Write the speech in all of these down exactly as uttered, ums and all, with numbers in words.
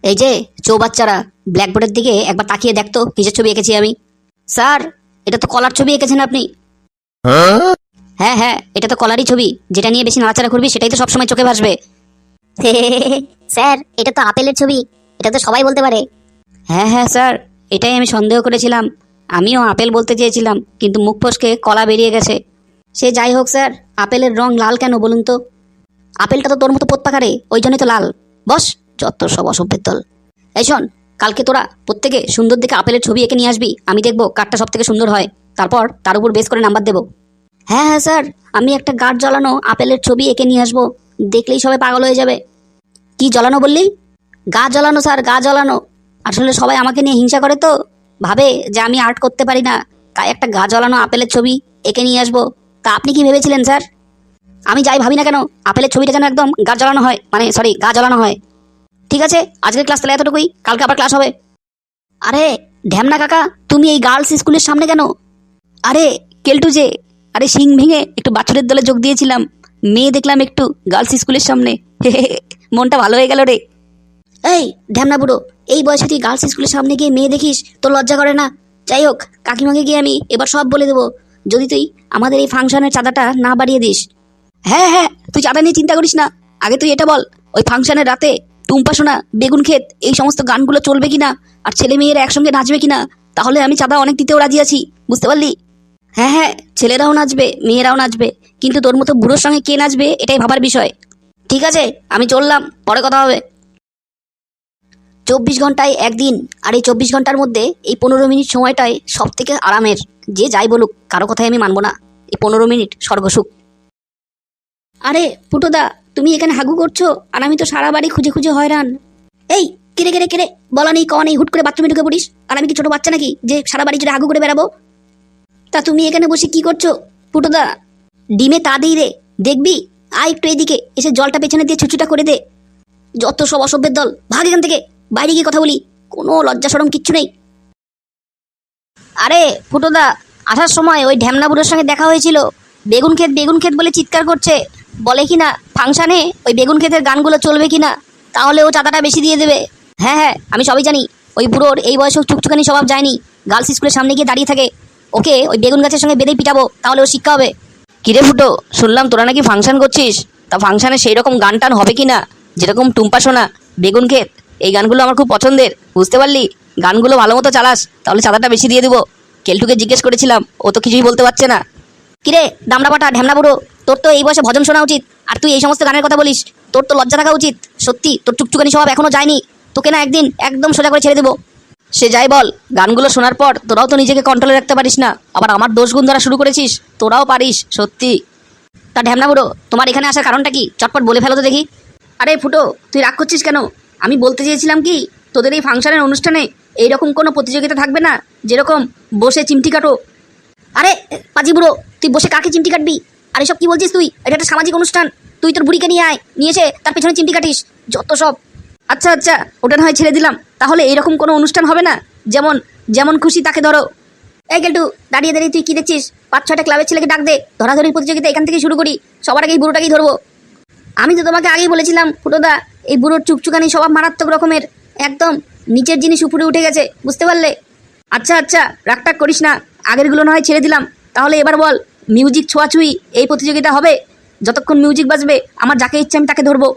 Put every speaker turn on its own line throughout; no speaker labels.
এই যে চৌবাচ্চারা, ব্ল্যাকবোর্ডের দিকে একবার তাকিয়ে দেখতো কিসের ছবি এঁকেছি আমি। স্যার, এটা তো কলার ছবি এঁকেছেন আপনি। হ্যাঁ হ্যাঁ, এটা তো কলারই ছবি। যেটা নিয়ে বেশি নাড়াচাড়া করবি সেটাই তো সবসময় চোখে ভাসবে।
স্যার, এটা তো আপেলের ছবি, এটা তো সবাই বলতে পারে।
হ্যাঁ হ্যাঁ স্যার, এটাই আমি সন্দেহ করেছিলাম। আমিও আপেল বলতে চেয়েছিলাম, কিন্তু মুখ ফসকে কলা বেরিয়ে গেছে। সে যাই হোক স্যার, আপেলের রং লাল কেন বলুন তো? আপেলটা তো তোর মতো পোত পাকারে, ওই জন্যই তো লাল। বস, যত সব অসভ্যের দল। এই শোন, কালকে তোরা প্রত্যেকে সুন্দর দেখে আপেলের ছবি এঁকে নিয়ে আসবি। আমি দেখবো কারটা সব থেকে সুন্দর হয়, তারপর তার উপর বেস করে নাম্বার দেবো। হ্যাঁ হ্যাঁ স্যার, আমি একটা গাঢ় জ্বালানো আপেলের ছবি এঁকে নিয়ে আসবো, দেখলেই সবাই পাগল হয়ে যাবে। কি জ্বালানো বললি? গা জ্বালানো স্যার, গা জ্বালানো। আসলে সবাই আমাকে নিয়ে হিংসা করে তো, ভাবে যে আমি আর্ট করতে পারি না, তাই একটা গা জ্বালানো আপেলের ছবি এঁকে নিয়ে আসবো। তা আপনি কি ভেবেছিলেন স্যার? আমি যাই ভাবি না কেন, আপেলের ছবিটা যেন একদম গা জ্বালানো হয়, মানে সরি গা জ্বালানো হয়। ঠিক আছে, আজকের ক্লাস তাহলে এতটুকুই, কালকে আবার ক্লাস হবে। আরে ঢ্যামনা কাকা, তুমি এই গার্লস স্কুলের সামনে কেন? আরে কেলটু যে, আরে শিং ভেঙে একটু বাছুরের দলে যোগ দিয়েছিলাম, মেয়ে দেখলাম একটু গার্লস স্কুলের সামনে, মনটা ভালো হয়ে গেল রে। এই ঢ্যামনা বুড়ো, এই বয়সে তুই গার্লস স্কুলের সামনে গিয়ে মেয়ে দেখিস, তোর লজ্জা করে না? যাই হোক, কাকিমাকে গিয়ে আমি এবার সব বলে দেবো, যদি তুই আমাদের এই ফাংশনের চাঁদাটা না বাড়িয়ে দিস। হ্যাঁ হ্যাঁ, তুই চাঁদা নিয়ে চিন্তা করিস না, আগে তুই এটা বল, ওই ফাংশনের রাতে টুম্পা সোনা, বেগুন ক্ষেত, এই সমস্ত গানগুলো চলবে কিনা, আর ছেলে মেয়েরা একসঙ্গে নাচবে কিনা? তাহলে আমি চাঁদা অনেক দিতেও রাজি আছি, বুঝতে পারলি? হ্যাঁ হ্যাঁ, ছেলেরাও নাচবে, মেয়েরাও নাচবে, কিন্তু তোর মতো বুড়োর সঙ্গে কে নাচবে এটাই ভাবার বিষয়। ঠিক আছে, আমি চললাম, পরে কথা হবে। চব্বিশ ঘন্টায় একদিন, আর এই চব্বিশ ঘন্টার মধ্যে এই পনেরো মিনিট সময়টাই সব থেকে আরামের। যে যাই বলুক, কারো কথাই আমি মানবো না। এই পনেরো মিনিট স্বর্গসুখ। আরে ফুটোদা, তুমি এখানে হাগু করছো, আর আমি তো সারা বাড়ি খুঁজে খুঁজে হয়রান। এই কেড়ে কেড়ে কেড়ে বলা নেই কওয়া নেই, হুট করে বাথরুমে ঢুকে পড়িস, আর আমি কি ছোট বাচ্চা নাকি যে সারা বাড়ি জুড়ে হাগু করে বেড়াবো? তা তুমি এখানে বসে কি করছো ফুটোদা? ডিমে তা দিই রে, দেখবি? আয় একটু এদিকে এসে জলটা পেছনে দিয়ে ছুচুটা করে দে। যত সব অসভ্যের দল, ভাগ এখান থেকে, বাইরে গিয়ে কথা বলি, কোনো লজ্জা সরম কিচ্ছু নেই। আরে ফুটোদা, আসার সময় ওই ঢ্যামনা বুড়োর সঙ্গে দেখা হয়েছিল, বেগুন ক্ষেত বেগুন ক্ষেত বলে চিৎকার করছে, বলে কিনা ফাংশানে ওই বেগুন ক্ষেতের গানগুলো চলবে কিনা, তাহলে ও চাঁদাটা বেশি দিয়ে দেবে। হ্যাঁ হ্যাঁ, আমি সবই জানি। ওই বুড়োর এই বয়সে চুকচুকানি স্বভাব যায়নি, গার্লস স্কুলের সামনে গিয়ে দাঁড়িয়ে থাকে। ওকে ওই বেগুন গাছের সঙ্গে বেঁধে পিটাবো, তাহলে ও শিক্ষা হবে। কিরে ফুটো, শুনলাম তোরা নাকি ফাংশন করছিস, তা ফাংশানে সেই রকম গান টান হবে কিনা, যেরকম টুম্পা সোনা, বেগুন ক্ষেত, এই গানগুলো আমার খুব পছন্দের, বুঝতে পারলি? গানগুলো ভালো মতো চালাস, তাহলে চাঁদাটা বেশি দিয়ে দেবো। কেলটুকে জিজ্ঞেস করেছিলাম, ও তো কিছুই বলতে পারছে না। কিরে দামড়া পাটা ঢ্যামনা বুড়ো, তোর তো এই বয়সে ভজন শোনা উচিত, আর তুই এই সমস্ত গানের কথা বলিস? তোর তো লজ্জা থাকা উচিত। সত্যি তোর চুকচুকানি স্বভাব এখনো যায়নি, তোকে না একদিন একদম সোজা করে ছেড়ে দেবো। সে যাই বল, গানগুলো শোনার পর তোরাও তো নিজেকে কন্ট্রোলে রাখতে পারিস না, আবার আমার দোষ গুণ ধরা শুরু করেছিস। তোরাও পারিস সত্যি। তা ঢ্যামনা বুড়ো, তোমার এখানে আসার কারণটা কি, চটপট বলে ফেলো তো দেখি। আরে ফুটো, তুই রাগ করছিস কেন? আমি বলতে চেয়েছিলাম কি, তোদের এই ফাংশনের অনুষ্ঠানে এইরকম কোনো প্রতিযোগিতা থাকবে না, যেরকম বসে চিমটি কাটো। আরে পাজি বুড়ো, তুই বসে কাকে চিমটি কাটবি? আর এসব কি বলছিস তুই? এটা একটা সামাজিক অনুষ্ঠান, তুই তোর বুড়িকে নিয়ে আয়, নিয়ে এসে তার পেছনে চিমটি কাটিস, যত সব। আচ্ছা আচ্ছা, ওটা না হয় ছেড়ে দিলাম, তাহলে এইরকম কোনো অনুষ্ঠান হবে না, যেমন যেমন খুশি তাকে ধরো। এই গেলটু, দাঁড়িয়ে দাঁড়িয়ে তুই কি দেখছিস? পাঁচ ছয়টা ক্লাবের ছেলেকে ডাক দে, ধরাধরির প্রতিযোগিতা এখান থেকে শুরু করি, সবার আগে এই বুড়োটাকেই ধরবো। আমি তো তোমাকে আগেই বলেছিলাম ফুটোদা, এই বুড়োর চুকচুকানি স্বভাব মারাত্মক রকমের, একদম নিচের জিনিস উপরে উঠে গেছে, বুঝতে পারলে? আচ্ছা আচ্ছা, রাগটাগ করিস না, আগেরগুলো না হয় ছেড়ে দিলাম, তাহলে এবার বল, মিউজিক ছোঁয়াছুঁই এই প্রতিযোগিতা হবে, যতক্ষণ মিউজিক বাজবে আমার যাকে ইচ্ছে আমি তাকে ধরবো।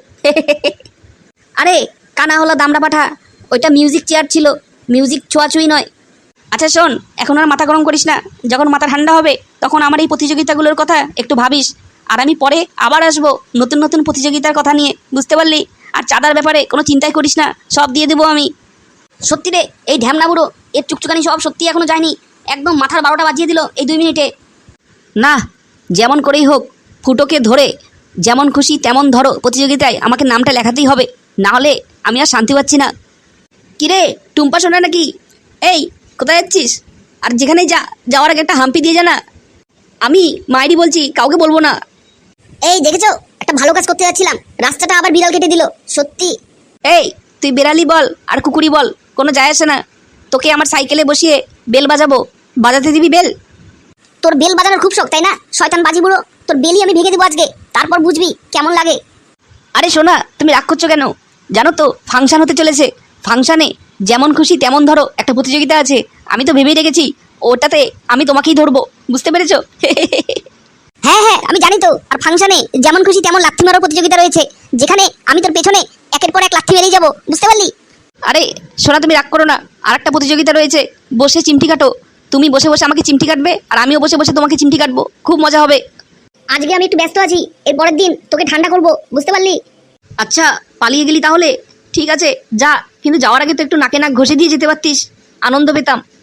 আরে কানা হলো দামড়া পাঠা, ওইটা মিউজিক চেয়ার ছিল, মিউজিক ছোঁয়াছুঁই নয়। আচ্ছা শোন, এখন আর মাথা গরম করিস না, যখন মাথা ঠান্ডা হবে তখন আমার এই প্রতিযোগিতাগুলোর কথা একটু ভাবিস, আর আমি পরে আবার আসবো নতুন নতুন প্রতিযোগিতার কথা নিয়ে, বুঝতে পারলি? আর চাঁদার ব্যাপারে কোনো চিন্তাই করিস না, সব দিয়ে দেবো আমি। সত্যি রে, এই ঢ্যামনা বুড়ো এর চুকচুকানি সব সত্যি এখনো যায়নি, একদম মাথার বারোটা বাজিয়ে দিল এই দুই মিনিটে। না, যেমন করেই হোক ফুটোকে ধরে যেমন খুশি তেমন ধরো প্রতিযোগিতায় আমাকে নামটা লেখাতেই হবে, না হলে আমি আর শান্তি পাচ্ছি না। কিরে টুম্পা শোনা নাকি? এই কোথায় যাচ্ছিস? আর যেখানেই যা, যাওয়ার আগে একটা হাম্পি দিয়ে জানা। আমি মাইরি বলছি, কাউকে বলবো না।
এই দেখেছো, একটা ভালো কাজ করতে যাচ্ছিলাম, রাস্তাটা আবার বিড়াল কেটে দিল, সত্যি।
এই তুই বেড়ালি বল আর কুকুরি বল, কোনো যায় আসে না, তোকে আমার সাইকেলে বসিয়ে বেল বাজাবো, বাজাতে দিবি বেল?
তোর বেল বাজানোর খুব শখ তাই না, শয়তান বাজি বুড়ো, তোর বেলই আমি ভেঙে দেবো আজকে, তারপর বুঝবি কেমন লাগে।
আরে শোনা, তুমি রাগ করছো কেন? জানো তো ফাংশন হতে চলেছে, ফাংশানে যেমন খুশি তেমন ধরো একটা প্রতিযোগিতা আছে, আমি তো ভেবেই রেখেছি ওটাতে আমি তোমাকেই ধরবো, বুঝতে পেরেছো?
হ্যাঁ হ্যাঁ আমি জানি তো। আর ফাংশনে যেমন খুশি তেমন লাথি মারার প্রতিযোগিতা রয়েছে, যেখানে আমি তোর পেছনে একের পর এক লাথি মেরেই যাবো, বুঝতে পারলি?
আরে সোনা তুমি রাগ করো না, আর একটা প্রতিযোগিতা রয়েছে, বসে চিমটি কাটো। তুমি বসে বসে আমাকে চিমটি কাটবে আর আমিও বসে বসে তোমাকে চিমটি কাটবো, খুব মজা হবে।
আজকে আমি একটু ব্যস্ত আছি, এর পরের দিন তোকে ঠান্ডা করবো, বুঝতে পারলি?
আচ্ছা পালিয়ে গেলি তাহলে? ঠিক আছে যা, কিন্তু যাওয়ার আগে তো একটু নাকে নাক ঘষে দিয়ে যেতে পারতিস, আনন্দ পেতাম।